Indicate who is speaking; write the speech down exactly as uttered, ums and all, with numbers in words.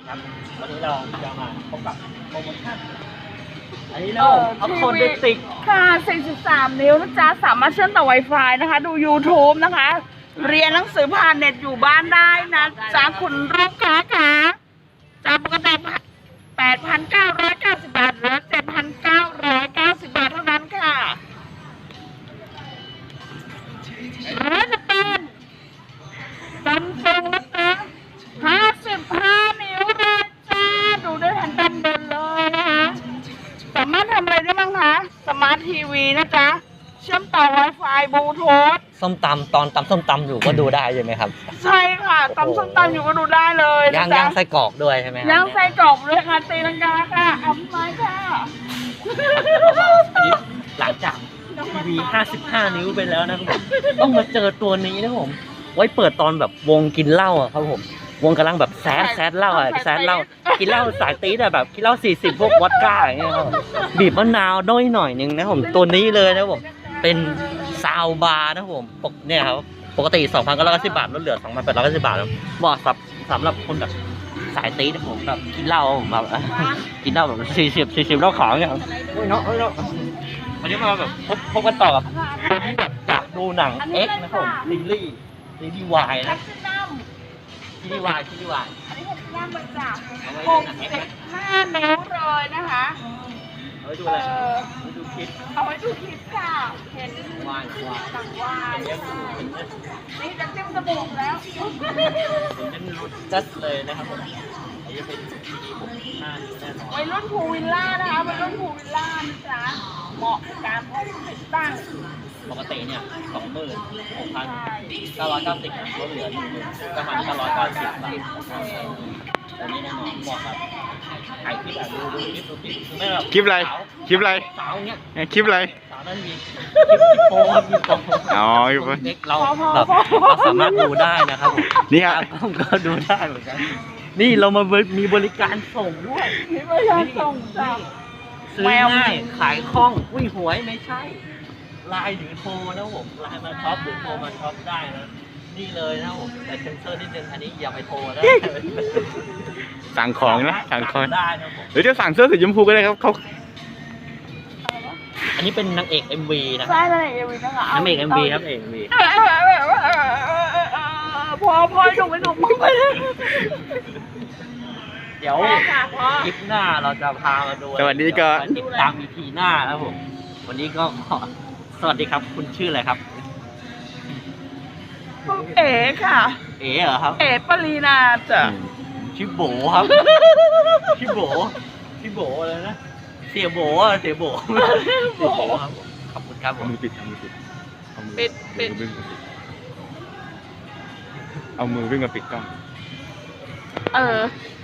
Speaker 1: ครับวันนี้เราจะมาพบกับโปรโมชั่นอันนี้เราเอาโคนเดติก
Speaker 2: ค่ะสี่สิบสามนิ้วนะจ๊ะสามารถเชื่อมต่อ Wi-Fi นะคะ ดู YouTube นะคะ เรียนหนังสือผ่านเน็ตอยู่บ้านได้นะจ๊ะคุณลูกค้าค่ะจากปกติแปดพันเก้าร้อยเก้าสิบบาทเหลือเจ็ดพันเก้าร้อยเก้าสิบบาทเท่านั้นค่ะหรือจะเป็นซัมซุงนะคะห้าสิบห้านิ้วเลยจ้าดูได้ทันด้านบนเลยนะคะสามารถทำอะไรได้บ้างคะสมาร์ททีวีนะจ๊ะเชื่อมต่อ Wi-Fi บลูทูธ
Speaker 1: ส้มตำตอนตำส้มตำอยู่ก็ดูได้ใช่ไหมครับ
Speaker 2: ใช่ค่ะตำส้มตำอยู่ก็ดูได้เลย
Speaker 1: ย่างย่างไส้กรอกด้วยใช่ไหมครับ
Speaker 2: ย่างไส้กรอกด้วยค่ะตีลังกาค่ะอัพไม้ค่ะ
Speaker 1: อันนี้หลังจากทีวีห้าสิบห้านิ้วไปแล้วนะครับต้องมาเจอตัวนี้นะผมไว้เปิดตอนแบบวงกินเหล้าอะครับผมวงกำลังแบบแซดแซดเหล้าอะแซดเหล้ากินเหล้าสายตีแต่แบบกินเหล้าสี่สิบพวกวอดก้าอย่างเงี้ยครับบีบมะนาวน้อยหน่อยนึงนะผมตัวนี้เลยนะผมเป็นซาวบาร์นะผมปกเนี่ยครับปกติ สองพันเก้าร้อยเก้าสิบบาทลดเหลือ สองพันแปดร้อยเก้าสิบบาทเหมาะสำหรับสำหรับคนแบบสายตีนะผมแบบกินเหล้าแบบกินเหล้าแบบสี่สิบสี่สิบเหล้าขาวเนี่ยครับโอ้ยเนาะโอ้ยเนาะวันนี้มาแบบพบพบกันต่อกับที่แบบจากดูหนังเอ็กนะครับผมซีรีส์ซีรีส์วายนะซีรีส์วายซีรีส์วาย
Speaker 2: อันนี้เป็นย่างบะจ่างหกสิบห้านิ้วเลยนะคะ
Speaker 1: เอาไว้ดูอะไรเอาไว้ดูคลิป
Speaker 2: เอาไว้ดูคลิปค่ะเห็น
Speaker 1: วายวาย
Speaker 2: สั่งวายนี่จะจิ้มจมูกแล้ว
Speaker 1: เป็นรุ่นจัดเลยนะครับผมอันนี้เป็นซีรีส์หกสิบห้านิ้วแน่นอน
Speaker 2: วัยรุ่นพูวิลล่านะคะวัยรุ่นพูวิลล่านะจ๊ะเหมาะกับการพกติดตั้ง
Speaker 1: ปกติเนี่ยสองหมื่นหกพันเก้าร้อยเก้าสิบลดเหลือหนึ่งหมื่นเก้าพันเก้าร้อยเก้าสิบบาทอันนี้แน่นอนเหมาะกับถ่ายคลิปแบบดูดูคลิปดูคลิปไม่แบบ
Speaker 3: คลิปอะไรคลิปอะไร
Speaker 1: สาวเนี้ย
Speaker 3: คลิปอะไร
Speaker 1: สาวนั่นมีคลิปโป้คลิปโป้
Speaker 3: อ๋อคลิป
Speaker 1: เด็กเราแบบเราสามารถดูได้นะครับผม
Speaker 3: นี่ครับ
Speaker 1: ก็ดูได้เหมือนกันนี่เรามามีบริการส่งด้วย
Speaker 2: มีบริการส่งจ้ะ
Speaker 1: ซื้อง่ายขายคล่องอุ้ยหวยไม่ใช่ไลน์หรือโทรนะผมไลน์มาช็อปหรือโทรมาช็อปได้นะนี่เลยนะผมแต่เซนเซอร์นิดนึงอันนี้อย่าไปโทรนะ
Speaker 3: สั่งของนะสั่งของ
Speaker 1: ได้นะผม
Speaker 3: หรือจะสั่งเสื้อสีชมพูก็ได้ครับเขา
Speaker 1: อันนี้เป็นนางเอก เอ็ม วี นะ
Speaker 2: ใช่นางเอก เอ็ม วี นะคะ
Speaker 1: นางเอก เอ็ม วี ครับ เอ็ม วี
Speaker 2: พอพอหนุ่มไปหนุ่มมึงไป
Speaker 1: เดี๋ยวคลิปหน้าเราจะพามาดู
Speaker 3: สวัสดีก็
Speaker 1: ติดตาม อี พี หน้านะผมวันนี้ก็สวัสดีครับคุณชื่ออะไรครับ
Speaker 2: เอ๋ค่ะ
Speaker 1: เอ๋เหรอครับ
Speaker 2: เอ๋ปรีนาจ้ะ
Speaker 1: ชื่อโบครับชื่อโบชื่อโบอะไรนะเสียโบเสียโบโบครับขอบคุณครับ
Speaker 3: เอามือปิดเอามือปิด
Speaker 2: ปิดปิด
Speaker 3: เอามือวิ่งมาปิดกล้อง
Speaker 2: เออ